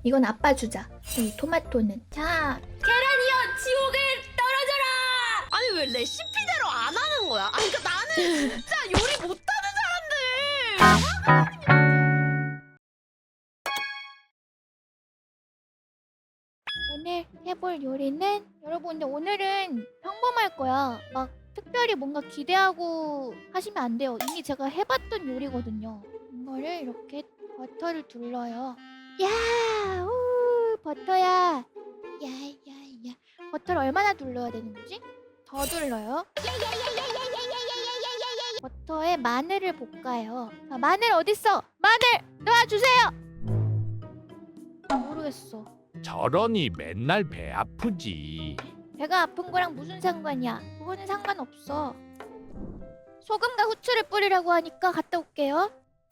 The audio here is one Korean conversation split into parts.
이건 아빠 주자. 이 토마토는. 자, 계란이여 지옥을 떨어져라. 아니 왜 레시피대로 안 하는 거야? 아니 그러니까 나는 진짜 요리 못하는 사람들. 오늘 해볼 요리는 여러분 근데 오늘은 평범할 거야. 막 특별히 뭔가 기대하고 하시면 안 돼요. 이미 제가 해봤던 요리거든요. 이거를 이렇게 버터를 둘러요. 야, 우, 버터야. 야야야. 버터를 얼마나 둘러야 되는 거지? 더 둘러요. 버터에 마늘을 볶아요. 자, 마늘 어딨어? 마늘 놔주세요. 모르겠어. 저러니 맨날 배 아프지. 배가 아픈 거랑 무슨 상관이야? 그거는 상관없어. 소금과 후추를 뿌리라고 하니까 갔다 올게요.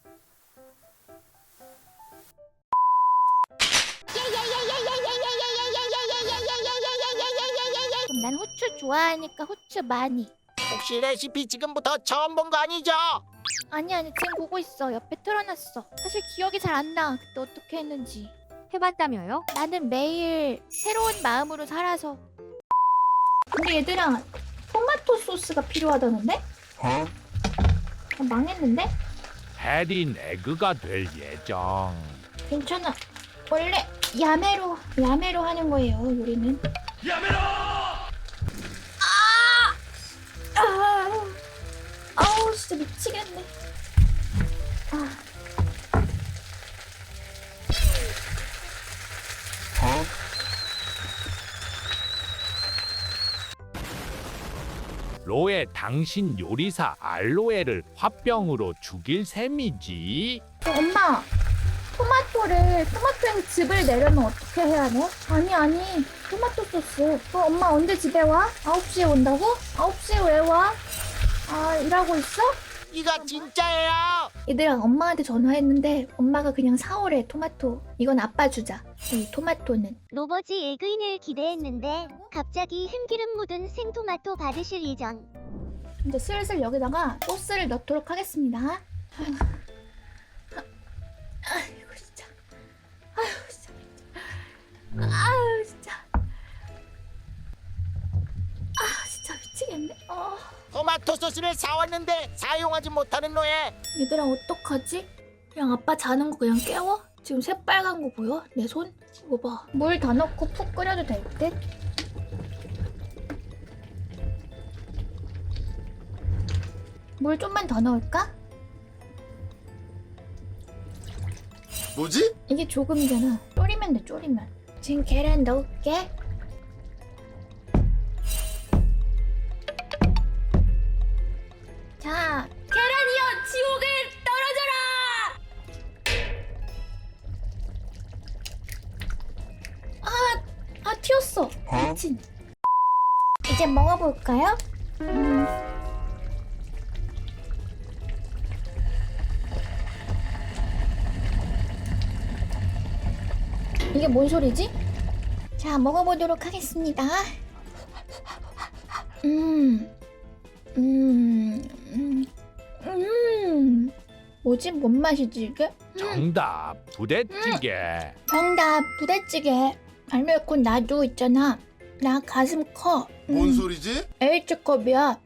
그럼 난 후추 좋아하니까 후추 많이. 혹시 레시피 지금부터 처음 본 거 아니죠? 아니 지금 보고 있어. 옆에 틀어놨어. 사실 기억이 잘 안 나. 그때 어떻게 했는지. 해봤다며요? 나는 매일 새로운 마음으로 살아서. 근데 얘들아, 토마토 소스가 필요하다는데? 망했는데? 해린 에그가 될 예정. 괜찮아. 원래 야매로 하는 거예요, 요리는. 야매로! 아우, 진짜 미치겠네. 로에 당신 요리사 알로에를 화병으로 죽일 셈이지. 엄마, 토마토의 즙을 내려면 어떻게 해야 돼? 아니, 토마토 소스. 엄마 언제 집에 와? 9시에 온다고? 9시에 왜 와? 아, 일하고 있어? 이거 진짜예요. 얘들아, 엄마한테 전화했는데 엄마가 그냥 사오래, 토마토. 이건 아빠 주자. 이 토마토는. 로버지 에그인을 기대했는데 갑자기 참기름 묻은 생토마토 받으실 예정. 이제 슬슬 여기다가 소스를 넣도록 하겠습니다. 아이고 진짜. 아유 진짜. 진짜 미치겠네. 토마토 소스를 사왔는데 사용하지 못하는 노예. 얘들아 어떡하지? 그냥 아빠 자는 거 그냥 깨워? 지금 새빨간 거 보여? 내 손? 이거 봐. 물 다 넣고 푹 끓여도 될 듯? 물 좀만 더 넣을까? 뭐지? 이게 조금이잖아. 졸이면 돼, 졸이면. 지금 계란 넣을게. 자, 계란이여 지옥을 떨어져라. 튀었어. 미친. 이제 먹어볼까요? 이게 뭔 소리지? 자, 먹어보도록 하겠습니다. 뭐지? 뭔 맛이지 이게? 정답 부대찌개. 정답, 부대찌개. 알면곧 나도 있잖아. 나 가슴 커. 뭔 소리지? H컵이야.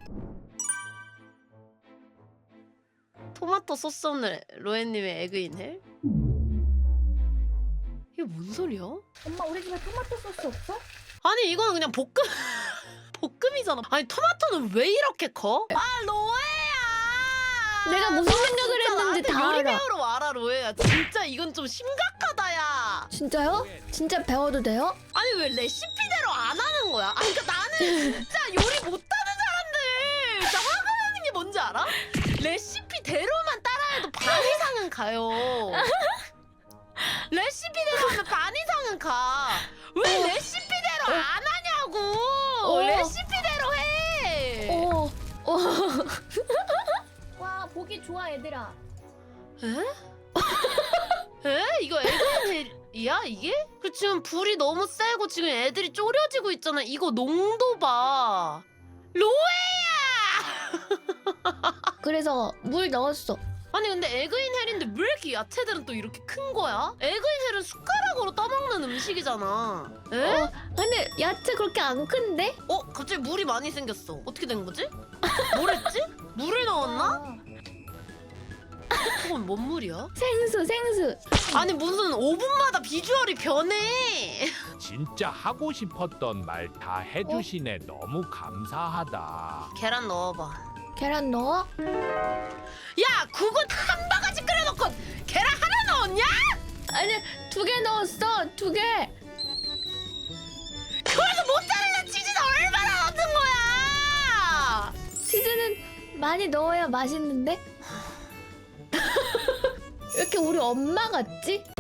토마토 소스 오늘 로엔님의 에그인 헬? 이게 뭔 소리야? 엄마, 우리 집에 토마토 소스 없어? 아니 이거는 그냥 볶음 볶음이잖아. 아니 토마토는 왜 이렇게 커? 아 로에야. 내가 무슨 생각을 진짜 했는지 나한테 다 요리 알아. 배우러 와라 로에야. 진짜 이건 좀 심각하다야. 진짜요? 진짜 배워도 돼요? 아니 왜 레시피대로 안 하는 거야? 아니 그러니까 나는 진짜 요리 못하는 사람들 진짜 화가 나는 게 뭔지 알아? 레시피대로만 따라해도 반 이상은 가요. 레시피대로 하면 반 이상은 가. 왜 레시피대로 안 하냐고. 레시피대로 해. 와, 보기 좋아 얘들아. 에? 이거 에그인이야 이게? 그 지금 불이 너무 세고 지금 애들이 졸여지고 있잖아. 이거 농도 봐. 로에야! 그래서 물 넣었어. 아니 근데 에그인 헬인데 왜 이렇게 야채들은 또 이렇게 큰 거야? 에그인 사실은 숟가락으로 떠먹는 음식이잖아. 에? 근데 야채 그렇게 안 큰데? 갑자기 물이 많이 생겼어. 어떻게 된 거지? 뭘 했지? 물을 넣었나? 그건 뭔 물이야? 생수. 아니 무슨 5분마다 비주얼이 변해. 진짜 하고 싶었던 말 다 해주시네. 너무 감사하다. 계란 넣어봐. 계란 넣어? 야, 그거 한 바가지 끓여놓고 계란 하나 넣었냐? 아니 2개 넣었어. 2개. 그래서 모짜렐라 치즈는 얼마나 넣는 거야? 치즈는 많이 넣어야 맛있는데? 왜 이렇게 우리 엄마 같지?